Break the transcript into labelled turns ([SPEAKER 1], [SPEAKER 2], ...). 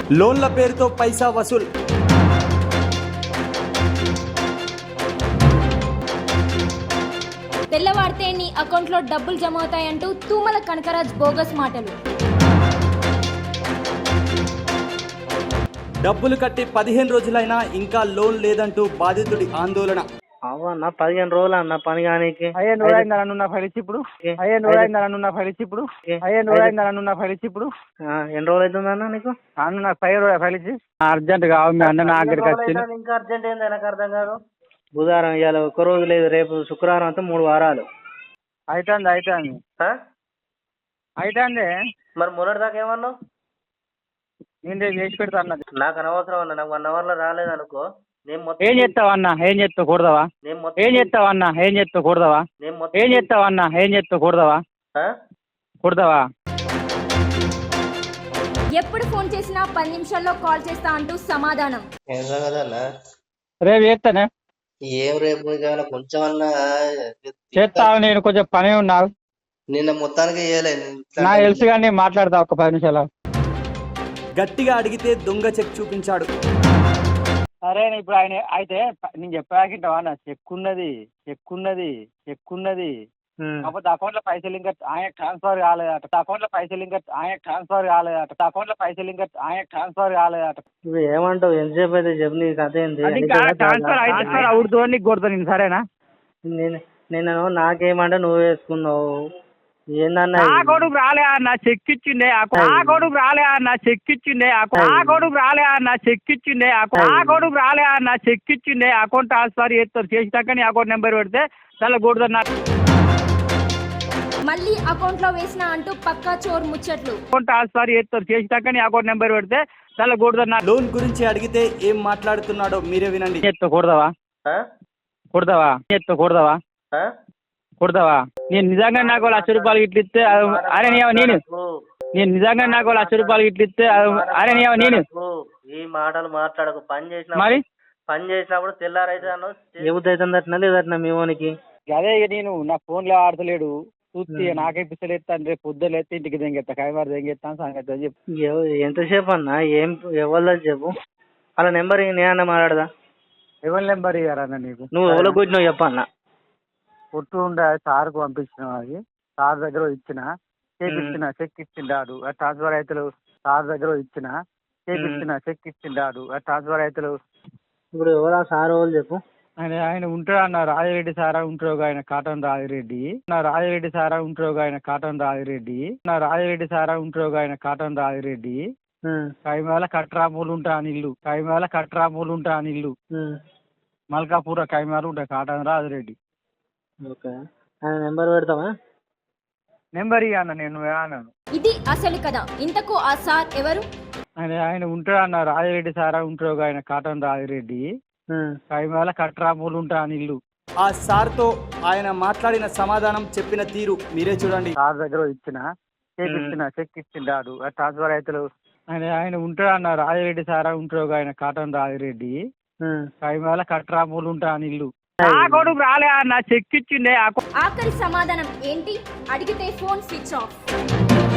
[SPEAKER 1] లోన్ల పేరుతో పైసా వసూల్.
[SPEAKER 2] తెల్లవారితే నీ అకౌంట్లో డబ్బులు జమ అవుతాయంటూ తూమల కనకరాజ్ బోగస్ మాటలు.
[SPEAKER 1] డబ్బులు కట్టి 15 రోజులైనా ఇంకా లోన్ లేదంటూ బాధితుడి ఆందోళన.
[SPEAKER 3] అవన్న 15 రోజులు అన్న పని కానీకి
[SPEAKER 4] 15 రోజులు అయిందా నన్ను ఫలిచి ఇప్పుడు 15 రోజులు అయిందా నన్ను ఫలిచి ఇప్పుడు 15 రోజులు అయిందా నన్ను ఫలిచి ఇప్పుడు
[SPEAKER 3] ఎన్ని రోజులు అవుతుందన్న నీకు?
[SPEAKER 4] అన్న నాకు 5 రోజులు ఫలిచి అర్జెంట్ కావాలి మీ అన్న నా దగ్గరికి వచ్చింది.
[SPEAKER 3] ఇంకా అర్జెంట్ ఏంది నాకు అర్థం కాదు. బుధవారం ఇవాళ ఒక్క రోజు లేదు, రేపు శుక్రవారం అంతా 3 వారాలు
[SPEAKER 4] అవుతుంది
[SPEAKER 3] మరి మొన్నటి దాకా ఏమన్నావు?
[SPEAKER 4] నేను రేపు చేసి పెడతా అన్నది.
[SPEAKER 3] నాకు అనవసరం అన్న, నాకు 1 అవర్ లో రాలేదు అనుకో.
[SPEAKER 4] ఏం చేస్తావు అన్న, ఏం చేస్తావు కూడదావా? ఏం చేస్తావు అన్న, ఏం చేస్తావు కూడదావా? ఏం చేస్తావు అన్న, ఏం చేస్తావు కూడదావా? కూడదావా?
[SPEAKER 2] ఎప్పుడు ఫోన్ చేసినా 10 నిమిషాల్లో కాల్ చేస్తా అంటూ సమాధానం.
[SPEAKER 4] రేపు చేస్తానే.
[SPEAKER 3] ఏం రేపు కొంచెం అన్నా
[SPEAKER 4] చేస్తావు, నేను కొంచెం పని ఉన్నావు.
[SPEAKER 3] నిన్న మొత్తానికి
[SPEAKER 4] నాకు తెలుసు కానీ మాట్లాడతా ఒక 10 నిమిషాలు.
[SPEAKER 1] గట్టిగా అడిగితే దొంగ చెక్ చూపించాడు.
[SPEAKER 4] సరే ఇప్పుడు ఆయన అయితే నేను చెప్పాకింటావా అన్న, చెక్కున్నది కాకపోతే అకౌంట్ లో పైసలు ఇంకా ఆయన ట్రాన్స్ఫర్ కాలేదట. అకౌంట్ లో పైసలు ఇంకా ఆయన ట్రాన్స్ఫర్ కాలేదట.
[SPEAKER 3] నువ్వు ఏమంటావు? ఎంతసేపు అయితే చెప్పు, నీ కథ ఏంటి?
[SPEAKER 4] ట్రాన్స్ఫర్ అయితే అవుతుందో నీకు కొడతా నేను, సరేనా?
[SPEAKER 3] నేను నాకేమంటే నువ్వు వేసుకున్నావు ఏందన్నా?
[SPEAKER 4] ఆ కొడుకు రాలే అన్న చెక్ ఇచ్చిండే, అకౌంట్ ట్రాన్స్ఫర్ చేస్తారు. చేసినాక నీ అకౌంట్ నెంబర్ పెడితే చాలా కొడుతున్నా.
[SPEAKER 2] మళ్ళీ అకౌంట్ లో వేసిన అంటూ పక్కా చోర్ ముచ్చట్లు.
[SPEAKER 4] అకౌంట్ ట్రాన్స్ఫర్ చేస్తారు. చేసినాక నీ అకౌంట్ నెంబర్ పెడితే చాలా కొడుతున్నా.
[SPEAKER 1] లోన్ గురించి అడిగితే ఏం మాట్లాడుతున్నాడో మీరే వినండి.
[SPEAKER 4] కొడతావా? నేను నిజంగా నాకు ₹1,00,000 ఇట్లు ఇస్తే అరే నేను నిజంగా నాకు ₹1,00,000 ఇట్లు ఇస్తే అరే నేను
[SPEAKER 3] ఈ మాటలు మాట్లాడకు.
[SPEAKER 4] మరి
[SPEAKER 3] పని చేసినప్పుడు తెల్లారైతే అవుతుందట్నా లేదట్నా మీ వానికి?
[SPEAKER 4] అదే నేను నా ఫోన్ లో ఆడతలేడు చూస్తే నాకే పిస్తలు ఎత్తాను. రేపు పొద్దులు ఎత్తే ఇంటికి దెంగెత్తా, కైమారు దెంగెత్తాను సంగతి చెప్పు.
[SPEAKER 3] ఎంతసేపు అన్నా? ఏం ఎవరిదో చెప్పు. అలా నెంబర్ నేనన్నా మాట్లాడదా?
[SPEAKER 4] ఎవరి నెంబర్ ఇయ్యారన్న నీకు?
[SPEAKER 3] నువ్వు ఎవరో కొట్టినావు చెప్పన్నా.
[SPEAKER 4] కొట్టు ఉండే సార్కు పంపించిన, అది సార్ దగ్గర ఇచ్చిన, చెక్ ఇచ్చిండాడు. ట్రాన్స్ఫర్ అయితే సార్ దగ్గర ఇచ్చిన, చెక్ ఇచ్చిండాడు. ట్రాన్స్ఫర్ అయితే
[SPEAKER 3] ఇప్పుడు ఎవరు ఆ సార్ వాళ్ళు చెప్పు.
[SPEAKER 4] ఆయన ఉంటాడు అన్న, రాజిరెడ్డి సారా ఉంటారు ఆయన కాటన్ రాజిరెడ్డి. కైమాల కట్రామూలు ఉంటా అని ఇల్లు మల్కాపూర కైమాలు ఉంటాయి. కాటన్ రాజిరెడ్డి.
[SPEAKER 3] ఓకే, ఆయన నెంబర్ పెడతావా?
[SPEAKER 4] నెంబర్ ఇయ్య అన్న, నేను అన్నాను.
[SPEAKER 2] ఇది అసలు కదా. ఇంతకు ఆ సార్ ఎవరు?
[SPEAKER 4] ఆయన ఉంటాడు అన్న, రాజిరెడ్డి సారా ఉంటారు ఆయన కాటన్ రాజిరెడ్డి. కైమాల కట్రామూలు ఉంటా అని ఇల్లు.
[SPEAKER 1] ఆ సార్ తో ఆయన మాట్లాడిన సమాధానం, చెప్పిన తీరు మీరే చూడండి.
[SPEAKER 4] సార్ దగ్గర ఇచ్చిన, చెక్ ఇచ్చిండాడు. ట్రాన్స్ఫర్ అయితే ఆయన ఉంటాడు అన్న, రాజిరెడ్డి సారా ఉంటారు ఆయన కాటన్ రాజిరెడ్డి. కైమాల కట్రామూలు ఉంటా అని ఇల్లు. కొడుకు రాలే అన్న చెక్ ఇచ్చిండే.
[SPEAKER 2] ఆఖరి సమాధానం ఏంటి? అడిగితే ఫోన్ స్విచ్ ఆఫ్.